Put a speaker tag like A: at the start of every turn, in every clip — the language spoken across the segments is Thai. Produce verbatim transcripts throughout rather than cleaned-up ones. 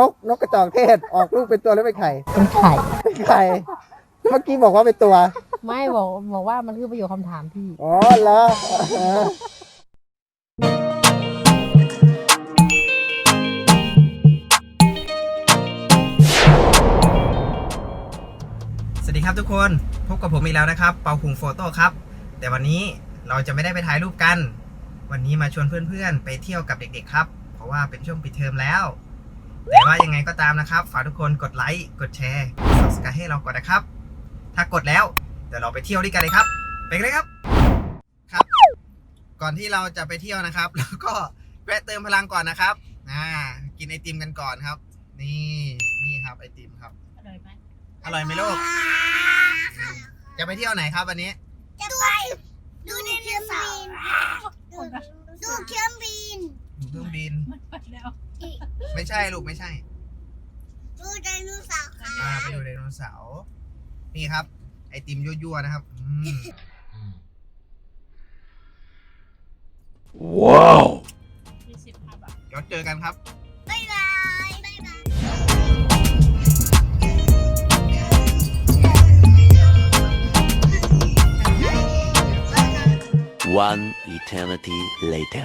A: กนกกระจอกเทศออกลูกเป็นตัวหรือเป็นไข่
B: เป็นไข่
A: เป็นไข่เมื่อกี้บอกว่าเป็นตัว
B: ไม่บอกบอกว่ามันคือประโยคคำถามพี่
A: อ๋อเหรอสวัสดีครับทุกคนพบกับผมอีกแล้วนะครับเปาคุงโฟโต้ครับแต่วันนี้เราจะไม่ได้ไปถ่ายรูปกันวันนี้มาชวนเพื่อนๆไปเที่ยวกับเด็กๆครับเพราะว่าเป็นช่วงปิดเทอมแล้วแต่ว่ายังไงก็ตามนะครับฝากทุกคนกดไลค์กดแชร์ ซับสไครบ์ ให้เราก่อนนะครับถ้ากดแล้วเดี๋ยวเราไปเที่ยวด้วยกันเลยครับไปกันเลยครับครับก่อนที่เราจะไปเที่ยวนะครับแล้วก็แวะเติมพลังก่อนนะครับอ่ากินไอติมกันก่อนครับนี่นี่ครับไอติมครับอร่อยไหมอร่อยไหมลูกจะไปเที่ยวไหนครับวันนี้
C: จะไปดูไดโนเสาร์ดูเครื่องบิน
A: ดูเครื่องบิน
C: มันไปแล้ว
A: ไม่ใช่ลูกไม่ใช่
C: ดูไดโนเสาร์ครั
A: อ่า
C: บ
A: ไปดูไดโนเสาร์นี่ครับไอติมยั่วๆนะครับอืมว้าวเดี๋ยวเจอกันครับ
C: บ๊ายบายบ๊ายบาย
D: One eternity later.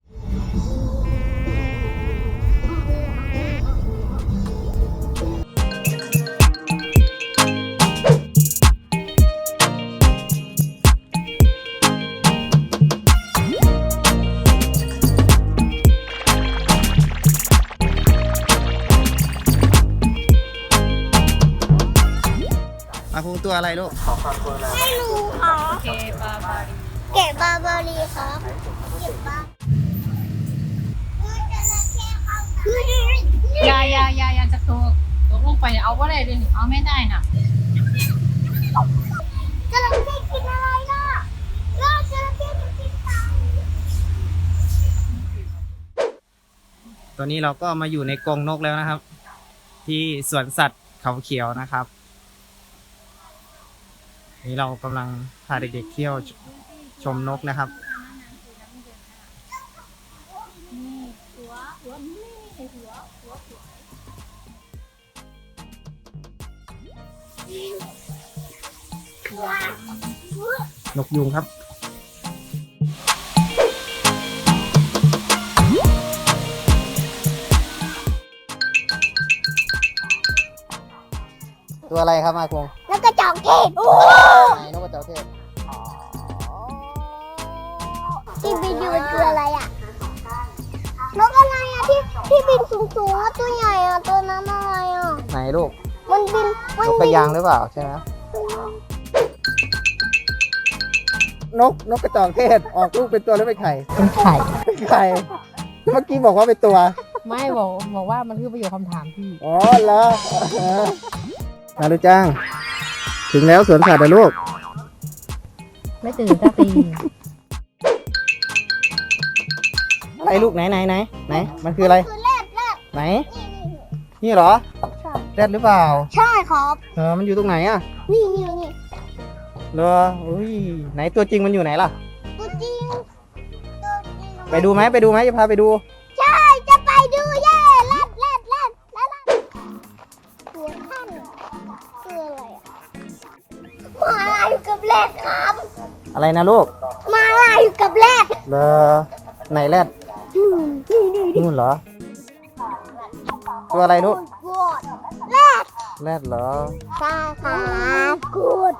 A: มาคุงตัวอะไรลูก
C: ไม่รู้ค่ะ
B: เกบาบารี
C: เก็บบาบารีครับเก็บบาคือจระเข้เข้า
B: ยายายายาจะตกตกลงไปเอาว่าอะไรเลยเอาไม่ได้น่ะ
C: จระเข้กินอะไรล่ะล่าจระเข้มันกินเต่า
A: ตอนนี้เราก็มาอยู่ในกรงนกแล้วนะครับที่สวนสัตว์เขาเขียวนะครับนี่เรากำลังพาเด็กๆเที่ยวชมนกนะครับนกยุงครับตัวอะไรครับมาคง
C: แล้วก็จอกเทศ
A: ไหนนกกระจอกเทศ
C: ที่บินอยู่ตัวอะไรอ่ะนกอะไรอ่ะที่ที่บินสูงสูงตัวใหญ่อ่ะตัวนั้นอะไรอ่ะ
A: ไหนลูก
C: มันบิน
A: นกกระยางหรือเปล่าใช่ไหมนกนกกระจอกเทศออกลูกเป็นตัวหรือเป็นไข่
B: เป็นไข่
A: เป็นไข่เมื่อกี้บอกว่าเป็นตัว
B: ไม่บอกบอกว่ามันคือประโยคคำถามพี่
A: อ๋อเหรอมาลูกจ้างถึงแล้วสวนสัตว์นะลูก
B: ไม่ตื่นสักที
A: อะไรลูกไหนไหนไหนไหนมันคืออะไร
C: คือแรดแรด
A: ไหนนี่เหรอแรดหรือเปล่า
C: ใช่ครับ
A: เออมันอยู่ตรงไหนอ่ะ
C: นี่นี่นี่
A: เหรออุ้ยไหนตัวจริงมันอยู่ไหนล่ะ
C: ตัวจริง
A: ไปดูไหมไปดูไหมจะพาไปดู
C: ใช่จะไปดูเย่แรดแรดแรดแรดตัวท่านคืออะไรอ่ะมาลายอยู่กับแรดครับ
A: อะไรนะลูก
C: มาลายอยู่กับแรด
A: เหรอไหนแรดนู่นเหรอตัวอะไรลูก
C: แรด
A: แรดเหรอ
C: ใช่ครับกูด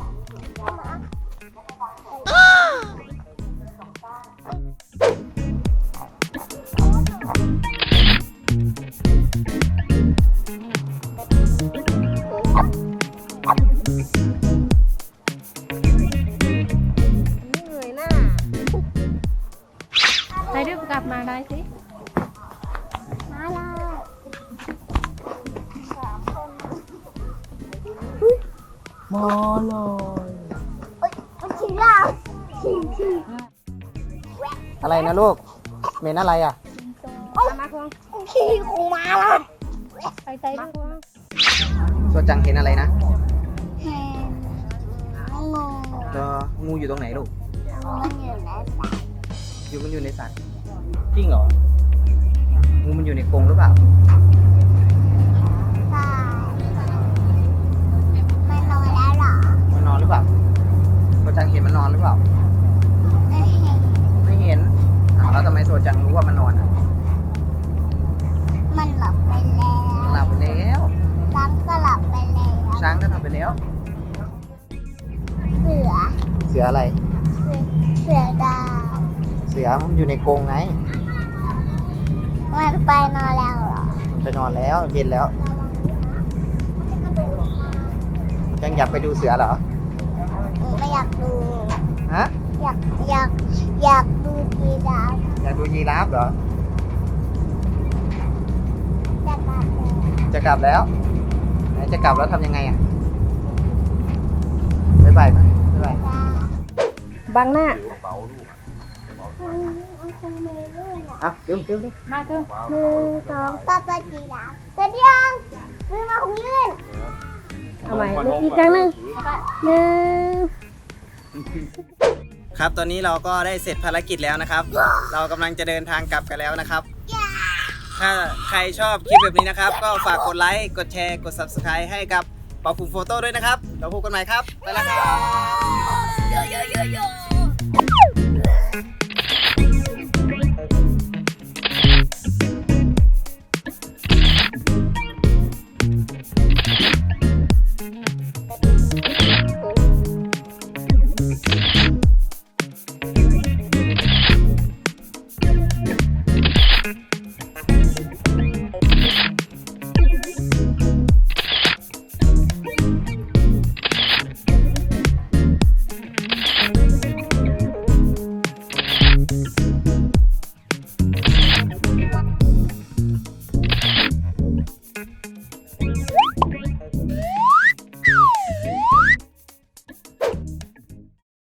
B: ไปด้วยกลับมาได้สิ
C: มาเลย
B: มาเลย
C: เอ้ยมันฉี่แล้วฉี่ฉี่
A: อะไรนะลูกเมนอะไรอ่ะ
B: มาคง
C: ฉี่ของมาละ
B: ไปใจมาคง
A: ตัวจังเห็นอะไรนะ
C: เห็นงู
A: เอองูอยู่ตรงไหนลูก
C: มันอยู่ในสระ
A: อยู่มันอยู่ในสระจริงเหรองูมันอยู่ในกรงหรือเปล่า
C: แล้ว
A: หลับไปแล้ว
C: ช้างก็หลับไปแล้ว
A: ช้างก็ทำไปแล้ว
C: เสือ
A: เสืออะไร
C: เสือเสือดาว
A: เสือมันอยู่ในกรงไง
C: มันไปนอนแล้วเหรอ
A: ไปนอนแล้วเย็นแล้วยังอยากไปดูเสือเหรอ
C: หนูไม่อยากดู
A: ฮะ
C: อยากอยากอยากดูกีราฟ
A: อยากดูยีราฟเหรอ
C: จะกลับแล้ว
A: จะกลับแล้วไหนจะกลับแล้วทำยังไงอ่ะบ๊ายบายไหมบ๊ายบาย
B: บังหน้า
A: อ่ะเร็วเร็วเร็ว
B: มาเถอะ
C: หนึ่งสองป้าป้ากีราฟเสร็จยังมือมาของยืน
B: เอาใหม่อีกครั้งหนึ่งหนึ่ง
A: ครับตอนนี้เราก็ได้เสร็จภารกิจแล้วนะครับ เรากำลังจะเดินทางกลับกันแล้วนะครับ ถ้าใครชอบคลิปแบบนี้นะครับ ก็ฝากกดไลค์กดแชร์กด ซับสไครบ์ ให้กับเป่าคุงโฟโต้ด้วยนะครับเราพบกันใหม่ครับไปแล้วครับ
C: โยโยโยโย